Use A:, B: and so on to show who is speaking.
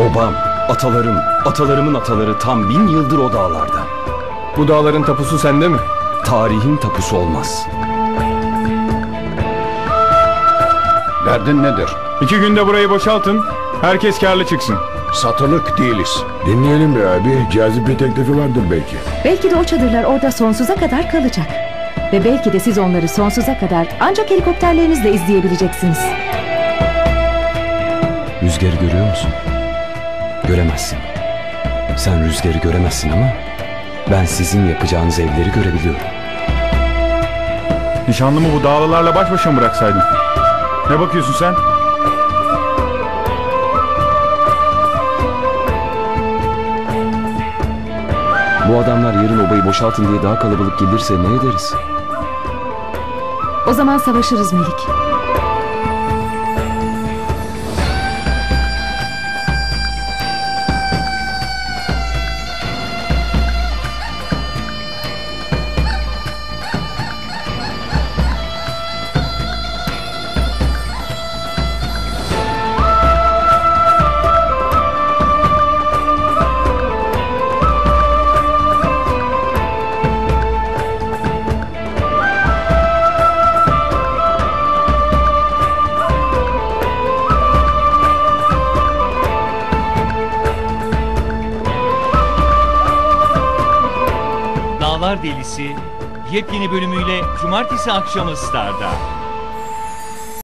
A: Obam, atalarım, atalarımın ataları tam 1000 yıldır o dağlarda.
B: Bu dağların tapusu sende mi?
A: Tarihin tapusu olmaz.
C: Derdin nedir?
B: 2 günde burayı boşaltın. Herkes kârlı çıksın.
C: Satılık değiliz.
D: Dinleyelim be abi. Cazip bir teklifi vardır belki.
E: Belki de o çadırlar orada sonsuza kadar kalacak. Ve belki de siz onları sonsuza kadar ancak helikopterlerinizle izleyebileceksiniz.
A: Rüzgarı görüyor musun? Göremezsin. Sen rüzgarı göremezsin ama ben sizin yapacağınız evleri görebiliyorum.
B: Nişanlımı bu dağlılarla baş başa mı bıraksaydın? Ne bakıyorsun sen?
A: Bu adamlar yarın obayı boşaltın diye daha kalabalık gelirse ne ederiz?
E: O zaman savaşırız Melik.
F: Dağlar Delisi yepyeni bölümüyle Cumartesi akşamı Star'da.